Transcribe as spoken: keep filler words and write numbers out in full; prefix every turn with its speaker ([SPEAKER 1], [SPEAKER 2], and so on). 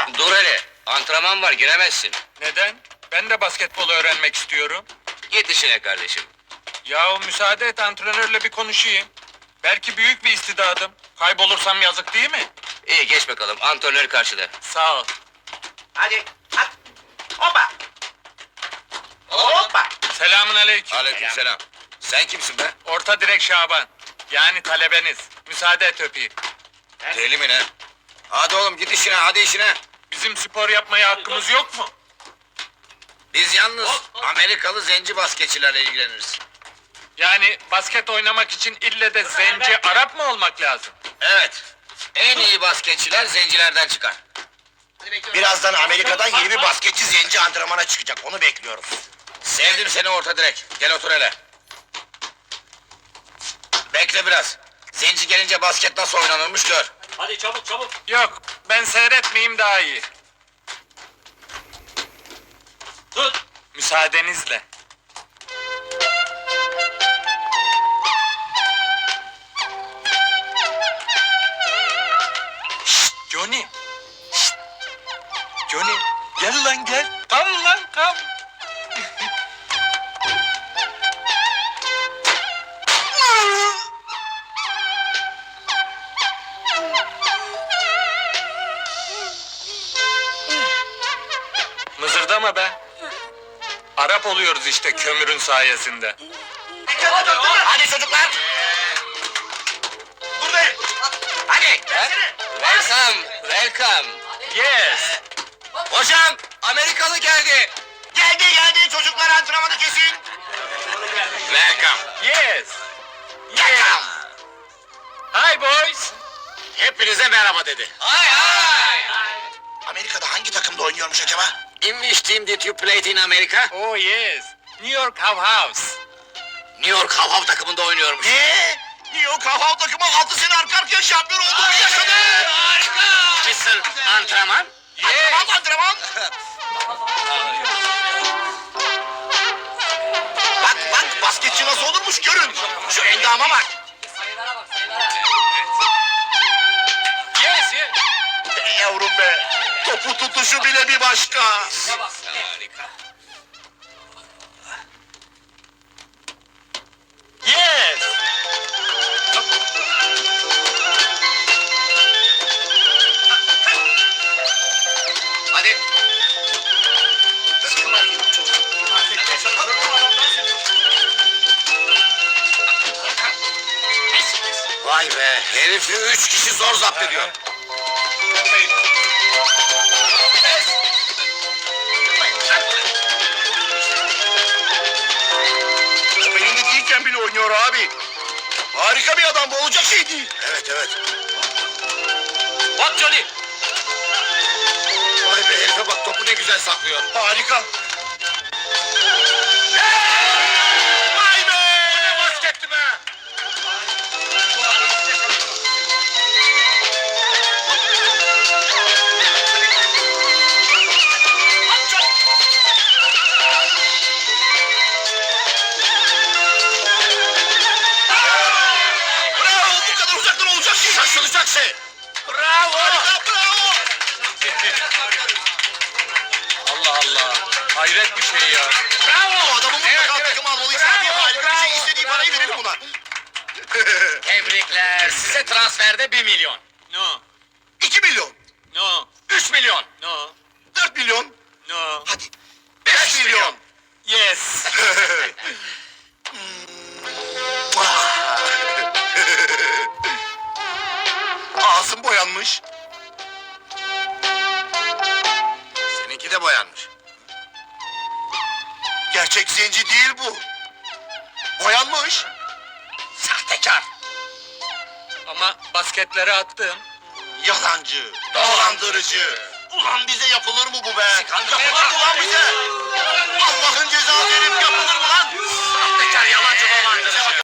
[SPEAKER 1] Dur hele, antrenman var, giremezsin.
[SPEAKER 2] Neden? Ben de basketbolu öğrenmek istiyorum.
[SPEAKER 1] Git işine kardeşim.
[SPEAKER 2] Yahu müsaade et, antrenörle bir konuşayım. Belki büyük bir istidadım. Kaybolursam yazık değil mi?
[SPEAKER 1] İyi, geç bakalım, antrenör karşıda.
[SPEAKER 2] Sağ ol.
[SPEAKER 3] Hadi, at. Hoppa. Hoppa.
[SPEAKER 2] Selamun aleyküm.
[SPEAKER 1] Aleykümselam. Sen kimsin be?
[SPEAKER 2] Orta direk Şaban. Yani talebeniz. Müsaade et öpeyim.
[SPEAKER 1] Deli mi ne? Hadi oğlum git işine, hadi işine.
[SPEAKER 2] Bizim spor yapmaya hakkımız yok mu?
[SPEAKER 1] Biz yalnız Amerikalı zenci basketçilerle ilgileniriz.
[SPEAKER 2] Yani basket oynamak için ille de zenci Arap mı olmak lazım?
[SPEAKER 1] Evet. En iyi basketçiler zencilerden çıkar.
[SPEAKER 3] Birazdan Amerika'dan yeni bir basketçi zenci antrenmana çıkacak. Onu bekliyoruz.
[SPEAKER 1] Sevdim seni orta direk. Gel otur hele. Bekle biraz. Zenci gelince basket nasıl oynanırmış gör.
[SPEAKER 4] Hadi çabuk çabuk.
[SPEAKER 2] Yok, ben seyretmeyeyim daha iyi.
[SPEAKER 4] Tut.
[SPEAKER 2] Müsaadenizle. Şşt, Johnny. Şşt. Johnny, gel lan gel. Tam lan tam. Mızırdama be. Arap oluyoruz işte kömürün sayesinde.
[SPEAKER 3] Hadi çocuklar. Buradayım. Hadi.
[SPEAKER 1] Welcome, welcome.
[SPEAKER 2] Yes.
[SPEAKER 1] Hocam, Amerikalı geldi.
[SPEAKER 3] Geldi geldi çocuklar antrenmanı kesin.
[SPEAKER 1] Welcome.
[SPEAKER 2] Yes. Yes. Hi boys.
[SPEAKER 1] Hepinize merhaba dedi. Hay hay.
[SPEAKER 3] Amerika'da hangi takımda oynuyormuş acaba?
[SPEAKER 1] In which team did you play in America?
[SPEAKER 2] Oh yes. New York How House.
[SPEAKER 1] New York Hav Hav takımında oynuyormuş.
[SPEAKER 3] Ne? New York Hav Hav takımı altı sene arka arkaya şampiyon olduğunu yaşadı.
[SPEAKER 1] Harika. mister Antrenman?
[SPEAKER 3] Antrenman antrenman. Bak bak basketçi nasıl olurmuş görün. Şu endama bak.
[SPEAKER 4] Sayılara bak sayılara.
[SPEAKER 2] Yes yes.
[SPEAKER 3] Be yavrum be. Topu tutuşu bile bir başka.
[SPEAKER 4] Bak.
[SPEAKER 1] Harika.
[SPEAKER 2] Yes.
[SPEAKER 1] Hadi. Vay be, herifi üç kişi zor zapt ediyor.
[SPEAKER 3] Top elinde değilken bile oynuyor abi. Harika bir adam bu olacak şey değil. Evet evet.
[SPEAKER 1] Bak Johnny. Vay be, herife bak, topu ne güzel saklıyor.
[SPEAKER 3] Harika.
[SPEAKER 1] Vay be! Bu ne basketti be!
[SPEAKER 3] Bravo bu kadar uzaktan olacak şey.
[SPEAKER 1] Şaşılacak şey! Bravo!
[SPEAKER 3] Harika bravo.
[SPEAKER 2] Allah Allah. Hayret bir şey ya.
[SPEAKER 3] Bravo. Adamı
[SPEAKER 1] Evet,
[SPEAKER 3] mutlaka
[SPEAKER 1] evet.
[SPEAKER 3] takıma almalıyız.
[SPEAKER 1] Bravo,
[SPEAKER 3] Abi harika bir şey.
[SPEAKER 1] bravo,
[SPEAKER 3] İstediği
[SPEAKER 1] bravo.
[SPEAKER 3] parayı verelim buna.
[SPEAKER 1] Tebrikler, size transferde bir milyon.
[SPEAKER 2] No.
[SPEAKER 3] İki milyon.
[SPEAKER 2] No.
[SPEAKER 1] Üç milyon.
[SPEAKER 2] No.
[SPEAKER 3] Dört milyon.
[SPEAKER 2] No.
[SPEAKER 3] Hadi.
[SPEAKER 1] Beş milyon.
[SPEAKER 2] Yes.
[SPEAKER 3] Ağzım boyanmış.
[SPEAKER 1] Seninki de boyanmış.
[SPEAKER 3] Gerçek zenci değil bu. Boyanmış.
[SPEAKER 1] Sahtekar.
[SPEAKER 2] Ama basketleri attım.
[SPEAKER 3] Yalancı. Dolandırıcı. Ulan bize yapılır mı bu be?
[SPEAKER 1] Sıkan-
[SPEAKER 3] Yapılır mı lan bize? Allah'ın cezası herif yapılır mı lan?
[SPEAKER 1] Sahtekar, yalancı, dolandırıcı.